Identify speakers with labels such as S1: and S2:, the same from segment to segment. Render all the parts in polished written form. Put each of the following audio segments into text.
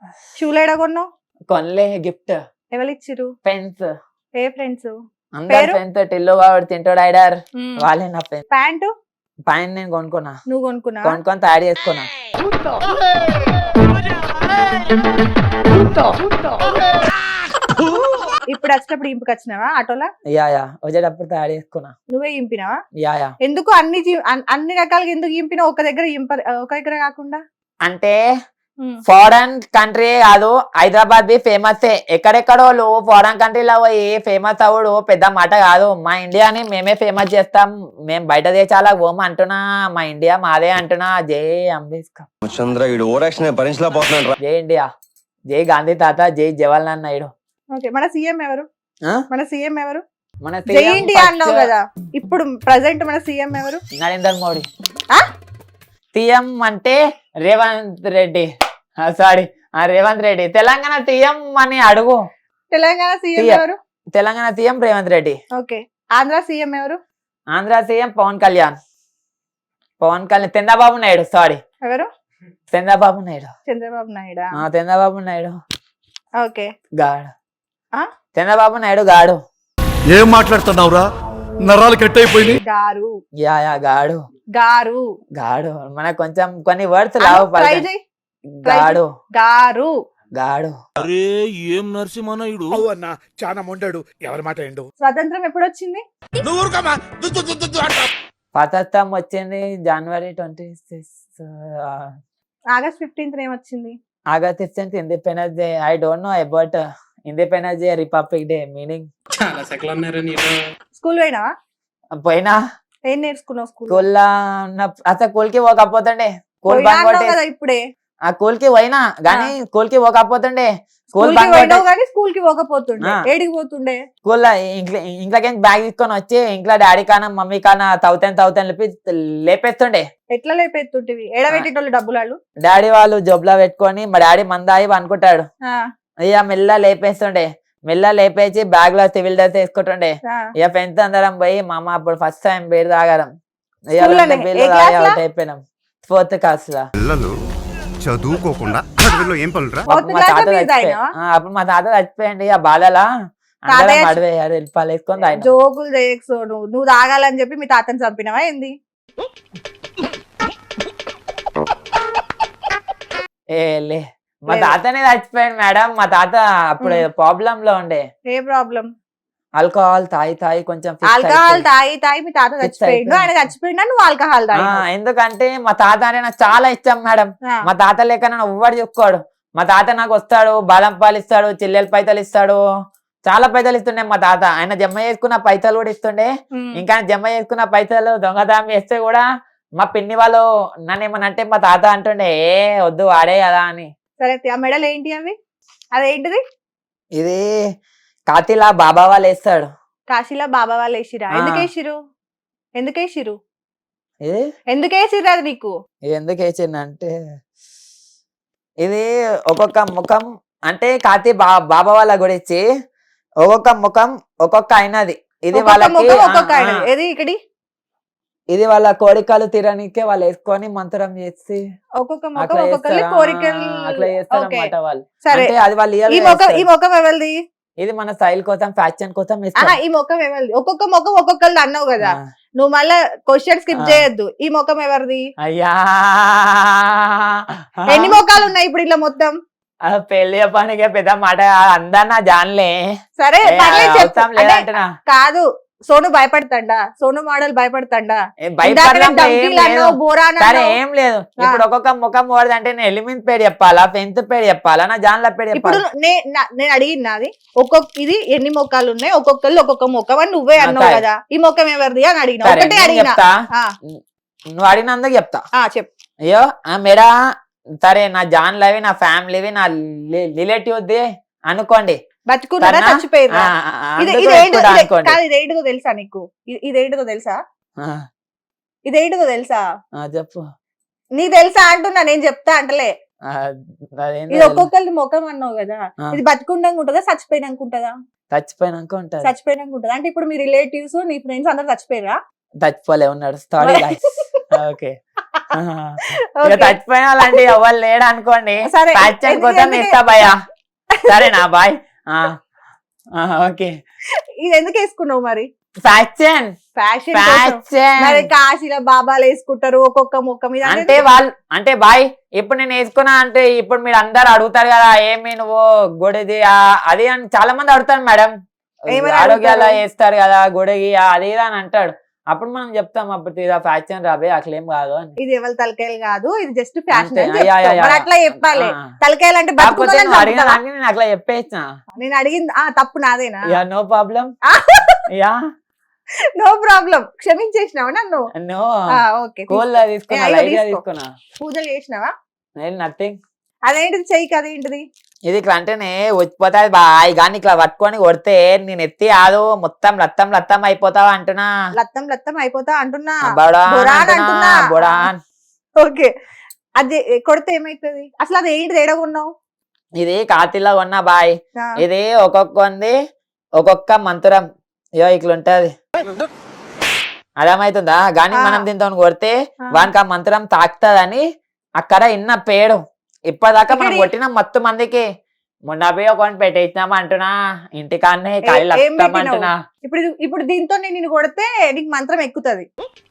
S1: షూలు ఎడ కొన్నావు?
S2: కొనలే గిఫ్ట్.
S1: ఎవరు ఇచ్చిరు?
S2: ఫ్రెండ్స్.
S1: ఏ ఫ్రెండ్స్?
S2: అందరు ఫ్రెండ్స్ టిల్లు వాడు తింటాడు ఐడర్ వాళ్ళే నా ఫ్రెండ్స్.
S1: ప్యాంటు
S2: పైన నేను కొనుక్కున్నా.
S1: నువ్వు కొనుక్కున్నా?
S2: కొనుక్కొని తయారు చేసుకున్నా.
S1: ఇప్పుడు వచ్చేటప్పుడు ఇంపుకి వచ్చినావా ఆటోలా?
S2: యా వచ్చేటప్పుడు తయారు చేసుకున్నా.
S1: నువ్వే ఇంపినావా?
S2: యా
S1: ఎందుకు అన్ని రకాలుగా ఎందుకు ఇంపినావు ఒక దగ్గర కాకుండా?
S2: అంటే ఫారెన్ కంట్రీ కాదు, హైదరాబాద్ బి ఫేమస్. ఎక్కడెక్కడో ఫారెన్ కంట్రీలో పోయి ఫేమస్ అవుడు పెద్ద మాట కాదు. మా ఇండియాని మేమే ఫేమస్ చేస్తాం. మేము బయట దేశాలకు పోము అంటున్నా. మా ఇండియా మాదే అంటున్నా. జై అంబేద్కర్, జై ఇండియా, జై గాంధీ తాత, జై జవహర్లాల్ నాయుడు.
S1: మన సీఎం ఎవరు? మన సీఎం ఎవరు?
S2: మన
S1: జై ఇండియా అన్నావు కదా, ఇప్పుడు ప్రెసెంట్ మన సీఎం ఎవరు?
S2: నరేంద్ర మోడీ. సీఎం అంటే రేవంత్ రెడ్డి. సారీ, రేవంత్ రెడ్డి. తెలంగాణ సీఎం అని అడుగు.
S1: తెలంగాణ సీఎం ఎవరు?
S2: Telangana CM Revanth Reddy.
S1: Okay. Andhra CM ఎవరు?
S2: ఆంధ్ర సీఎం పవన్ కళ్యాణ్. చంద్రబాబు నాయుడు. సారీ,
S1: ఎవరు?
S2: చంద్రబాబు నాయుడు.
S1: చంద్రబాబు నాయుడు.
S2: చంద్రబాబు నాయుడు.
S1: ఓకే.
S2: గాడు. చంద్రబాబు నాయుడు గాడు.
S3: ఏం మాట్లాడుతున్నావురా? నరాలు కట్ అయిపోయింది.
S1: గారు.
S2: యా గాడు.
S1: గారు.
S2: గాడు. మనకు కొంచెం కొన్ని వర్డ్స్ లావు. గాడు.
S1: గారు.
S2: గాడు.
S3: అరే ఏం నరసింహనాయుడు అన్నా, చాలా మొండాడు. ఎవరి మాట ఏండు?
S1: స్వతంత్రం ఎప్పుడు వచ్చింది?
S2: స్వతంత్రం వచ్చింది జనవరి 26.
S1: ఆగస్ట్ 15 ఏమొచ్చింది?
S2: August 15 independence day. I don't know about independence day, republic day meaning.
S4: చాలా సెకలు అన్నారా నీలో?
S1: స్కూల్ పోయినావా?
S2: పోయినా.
S1: ఏం నేర్చుకున్నావు స్కూల్?
S2: అసలు స్కూల్ కి పోకపోతుండే. స్కూల్
S1: ఇప్పుడే
S2: ఆ స్కూల్ కి పోయినా గానీ స్కూల్ కి పోకపోతుండే.
S1: స్కూల్ కి పోకపోతుండే. ఏడికి పోతుండే?
S2: స్కూల్లో ఇంట్లోకి బ్యాగ్ తీసుకొని వచ్చి ఇంట్లో డాడీ కానా మమ్మీ కానా తౌతాను లేపేస్తుండే.
S1: ఎట్లా లేపేస్తుంటివి? ఏడబెట్టేటోళ్ళు డబ్బులు వాళ్ళు?
S2: డాడీ వాళ్ళు జోబులో పెట్టుకొని మా డాడీ మందాయి అనుకుంటాడు. ఇక మెల్ల లేపేస్తుండే. మెల్ల లేపేసి బ్యాగ్ లో సివిల్ డ్రెస్ వేసుకుంటుండే. ఇక ఫ్రెండ్స్ అందరం పోయి మా అమ్మ అప్పుడు ఫస్ట్ టైం బీర్ తాగడం. అవుట్ అయిపోయినాం 4th క్లాస్ లో.
S5: చదువుకోకుండా చదువులో ఏం పనులురా?
S2: అప్పుడు మా తాత చచ్చిపోయండి. ఆ బాధలా అందరం అడివేయారు వెళ్ళిపాలు వేసుకొని తాగినాం.
S1: జోకులు చేయకు. నువ్వు తాగాలని చెప్పి మీ తాతని చంపినవా ఏంది?
S2: లే, మా తాతనే చచ్చిపోయాడు మేడం. మా తాత అప్పుడు ప్రాబ్లం లో ఉండే.
S1: ఏ ప్రాబ్లం?
S2: ఆల్కహాల్ తాగి కొంచెం
S1: ఆల్కహాల్ తాగి మీ తాత చచ్చిపోయిండు. ఆయన చచ్చిపోయిందా నువ్వు ఆల్కహాల్ తాగి?
S2: ఎందుకంటే మా తాత అంటే నాకు చాలా ఇష్టం మేడం. మా తాత లేక నన్ను ఎవ్వడు చెప్పుకోడు. మా తాత నాకు వస్తాడు, బాదం పాలు ఇస్తాడు, చిల్లెల పైసలు ఇస్తాడు, చాలా పైసలు ఇస్తుండే మా తాత. ఆయన జమ చేసుకున్న పైసలు కూడా ఇస్తుండే. ఇంకా జమ చేసుకున్న పైసలు దొంగతనం చేస్తే కూడా మా పిన్ని వాళ్ళు నన్ను ఏమన్నా అంటే మా తాత అంటుండే వద్దు వాడే కదా అని.
S1: సరే, ఆ మెడల్ ఏంటి అవి? అదేంటిది?
S2: ఇది కాతిలా బాబా వాళ్ళు వేస్తాడు.
S1: కాశీలా బాబా వాళ్ళు వేసిరా? ఎందుకు వేసిరు అది నీకు?
S2: ఎందుకు వేసిందంటే ఇది ఒక్కొక్క ముఖం అంటే కాతి బాబా వాళ్ళ గురించి ఒక్కొక్క ముఖం ఒక్కొక్క అయినది. ఇది వాళ్ళకి ఇది వాళ్ళ కోరికలు తీరనికే వాళ్ళు వేసుకొని మంత్రం చేసి అట్లా చేస్తారు అన్నమాట వాళ్ళు. అంటే అది వాళ్ళు ఇది మన స్టైల్ కోసం ఫ్యాషన్ కోసం.
S1: ఈ ముఖం ఎవరిది? ఒక్కొక్క ముఖం ఒక్కొక్కరిది అన్నావు కదా, నువ్వు మళ్ళా క్వశ్చన్ స్కిప్ చేయొద్దు. ఈ ముఖం ఎవరిది?
S2: అయ్యా
S1: ఎన్ని ముఖాలు ఉన్నాయి ఇప్పుడు ఇలా మొత్తం?
S2: పెళ్లి పనికి పెద్ద మాట అందరు నా జాన్లే.
S1: సరే కాదు, సోను భయపడతాడా? సోను మోడల్ భయపడతాడా?
S2: ఏం లేదు. ఇప్పుడు ఒక్కొక్క ముఖం పోడదు అంటే నేను ఎలిమెంట్ పేరు చెప్పాలా, పెంత్ పేరు చెప్పాలా, నా జాన్ల పేరు
S1: ఇప్పుడు నేను అడిగినది ఇది ఎన్ని ముఖాలు ఉన్నాయి, ఒక్కొక్కళ్ళు ఒక్కొక్క ముఖం అని నువ్వే అన్నావు కదా. ఈ ముఖం ఎవరిది అని అడిగినా. ఒకటే అడిగినా.
S2: నువ్వు అడిగినందుకు చెప్తా.
S1: చెప్పు.
S2: అయ్యో మేడా సరే, నా జాన్లవి, నా ఫ్యామిలీవి, నా రిలేటివ్ది అనుకోండి.
S1: బతుకున్నారా చచ్చిపోయారా? ఇదేంటిదో తెలుసా నీకు? ఇదేంటిదో తెలుసా?
S2: చెప్పు.
S1: నీకు తెలుసా అంటున్నా, నేను చెప్తా అంటలే. ఇది ఒక్కొక్కరి ముఖం అన్నావు కదా, ఇది బతుకుండగా ఉంటుందా చచ్చిపోయినాక ఉంటుందా?
S2: చచ్చిపోయినాక ఉంటది.
S1: చచ్చిపోయినాక ఉంటదా? అంటే ఇప్పుడు మీ రిలేటివ్స్ నీ ఫ్రెండ్స్ అందరు చచ్చిపోయారా?
S2: చచ్చిపోలే ఉన్నాడు. ఓకే ఇక చచ్చిపోయిన వాళ్ళంటే ఎవరు లేడు అనుకోండి,
S1: సరే,
S2: ఫ్యాక్షన్ కోసం
S1: ఎందుకు-
S2: ఇస్తా భయ్యా. సరేనా బాయ్. ఓకే
S1: ఇది ఎందుకు వేసుకున్నావు మరి?
S2: ఫ్యాక్షన్
S1: ఫ్యాషన్
S2: ఫ్యాక్షన్
S1: మరి కాశీలో బాబాలు వేసుకుంటారు ఒక్కొక్క మొక్క మీద
S2: అంటే వాళ్ళు అంటే బాయ్ ఇప్పుడు నేను వేసుకున్నా అంటే ఇప్పుడు మీరు అందరు అడుగుతారు కదా ఏమి నువ్వు గుడిది అది అని చాలా మంది అడుగుతారు మేడం,
S1: ఏమని
S2: ఆరోగ్యాలు
S1: అడుగుతారు?
S2: వేస్తారు కదా గుడికి అది ఇది అని అంటాడు. అప్పుడు మనం చెప్తాం అప్పుడు ఇదా ఫ్యాక్షన్ రాబే అట్లేం కాదు అని.
S1: ఇది ఎవరి తలకాయలు కాదు, ఇది జస్ట్ ఫ్యాషన్
S2: అంతే, యా, యా, యా.
S1: అట్లా చెప్పాలి.
S2: ఆ.
S1: తలకాయలు అంటే
S2: కాకపోతే
S1: బతుకున్నోళ్ళని
S2: నువ్వు అడిగిన
S1: చంపుతావా?
S2: దానికి నేను అట్లా చెప్పేసిన.
S1: నేను అడిగింది తప్పు నాదేనా?
S2: Yeah no problem. Yeah
S1: no problem, క్షమించేసినావా నన్ను?
S2: నో
S1: ఓకే,
S2: కూల్ తీసుకున్నా,
S1: అయ్యో,
S2: లైట్ గా
S1: తీసుకో.
S2: తీసుకున్నా.
S1: పూజలు చేసినావా?
S2: నేను నథింగ్.
S1: అదేంటిది చెయ్యి, అదేంటిది?
S2: ఇది ఇట్లా అంటేనే వచ్చిపోతాది బాయ్, కానీ ఇట్లా పట్టుకొని కొడితే నేను ఎత్తి ఆదు మొత్తం రక్తం రక్తం అయిపోతావా అంటున్నా.
S1: లత్తం లత్తం అయిపోతా అంటున్నా.
S2: బొడాన్
S1: బొడాన్
S2: అంటున్నా,
S1: అంటున్నా.
S2: బొడాన్.
S1: ఓకే, అది కొడితే ఏమైతుంది? అసలు అది ఏంటిది? ఏడగొన్నావు?
S2: ఇది కాతిలో కొన్నా బాయ్. ఇది ఒక్కొక్క మంత్రం ఇయో ఇట్లా ఉంటది, అర్థమవుతుందా? గాని మనం దీంతో కొడితే వానికి ఆ మంత్రం తాకుతుందని అక్కడ ఇన్న పేడు. ఇప్పటిదాకా మనం కొట్టిన మొత్తం మందికి మొన్న పోయి ఒకటి పెట్టేసినాం అంటున్నా, ఇంటికాన్నే కాయలు
S1: ఏం
S2: వస్తాం
S1: పెట్టినావు?
S2: అంటున్నా.
S1: ఇప్పుడు దీంతో నేను కొడితే నీకు మంత్రం ఎక్కుతుంది.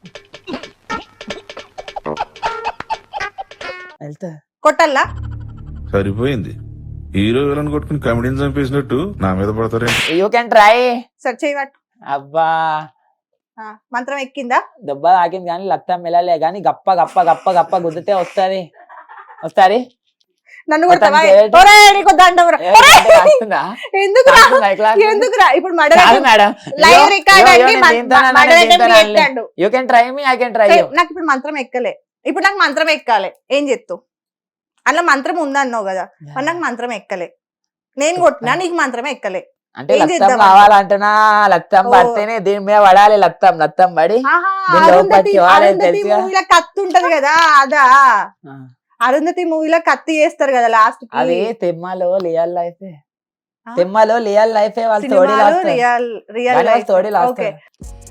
S2: వెళ్తా
S1: కొట్టల్లా?
S3: సరిపోయింది, హీరో విలన్ కొట్టుకుని కమెడీని చంపేసినట్టు నా మీద పడతారే.
S2: You can try.
S1: సరే చేయబట్టు.
S2: అబ్బా
S1: మంత్రం ఎక్కిందా?
S2: దెబ్బ తాకింది కానీ లక్తం వెళ్ళలే, కానీ గప్ప గప్ప గప్ప గప్ప గుద్దితే వస్తుంది.
S1: నన్ను కొడతావా?
S2: అతను చేయటం-
S1: ఒరేయ్, నీకు దండం రా. ఎందుకురా? ఎందుకురా? ఇప్పుడు లైవ్ రికార్డ్ అండి, చేస్తాడు.
S2: You can try me, I can try you.
S1: నాకు ఇప్పుడు మంత్రం ఎక్కలే. ఇప్పుడు నాకు మంత్రం ఎక్కాలి, ఏం చెప్తావు? అట్లా మంత్రం ఉందన్నావు కదా, మరి నాకు మంత్రం ఎక్కలే. నేను కొట్టినా, నీకు మంత్రం ఎక్కలే.
S2: అంటే
S1: ఏం
S2: లక్తం
S1: చేద్దాం?
S2: కావాలంటున్నా, లక్తం
S1: ఓ.
S2: పడితేనే దీని మీద పడాలి, లక్తం పడి
S1: ఆహా,
S2: దీని
S1: అరుంధతి
S2: లోపలికి వాడే తెలుసుగా.
S1: మూవీలో కత్తి ఉంటది కదా, అదా? అరుంధతి మూవీలో కత్తి చేస్తారు కదా లాస్ట్ కి.
S2: అది తిమ్మలో రియల్ లైఫ్, తిమ్మలో రియల్ లైఫ్ వాళ్ళు తోడి
S1: రియల్ రియల్
S2: తోడి
S1: ఓకే.